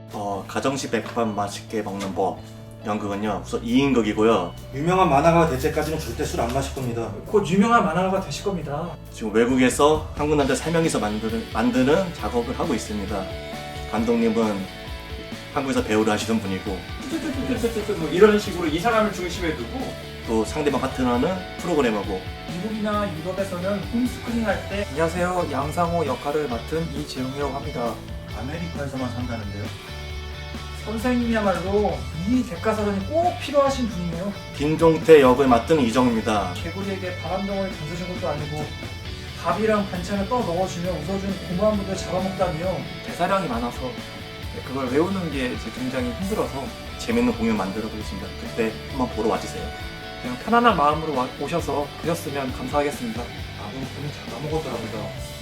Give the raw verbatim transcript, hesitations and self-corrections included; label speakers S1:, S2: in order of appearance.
S1: 어, 가정식 백반 맛있게 먹는 법 연극은요 우선 이 인극이고요.
S2: 유명한 만화가가 될 때까지는 절대 술 안 마실 겁니다.
S3: 곧 유명한 만화가가 되실 겁니다.
S1: 지금 외국에서 한국 남자 세 명이서 만드는, 만드는 작업을 하고 있습니다. 감독님은 한국에서 배우를 하시던 분이고
S4: 뭐 이런 식으로 이 사람을 중심에 두고
S1: 또 상대방 파트너는 프로그래머고
S3: 미국이나 유럽에서는 홈스크린 할 때 안녕하세요, 양상호 역할을 맡은 이재용이라고 합니다.
S2: 아메리카에서만 산다는데요.
S3: 선생님이야말로 이 대가사전이 꼭 필요하신 분이에요.
S1: 김종태 역을 맡은 이정입니다.
S3: 개구리에게 바람덩어리 던져준 것도 아니고 밥이랑 반찬을 떠 넣어주며 웃어주는 고마운 분들 잡아먹다니요.
S5: 대사량이 많아서 그걸 외우는 게 이제 굉장히 힘들어서
S1: 재밌는 공연 만들어 보겠습니다. 그때 한번 보러 와주세요.
S5: 그냥 편안한 마음으로 와- 오셔서 보셨으면 감사하겠습니다.
S2: 아버님은 잡아먹었더랍니다.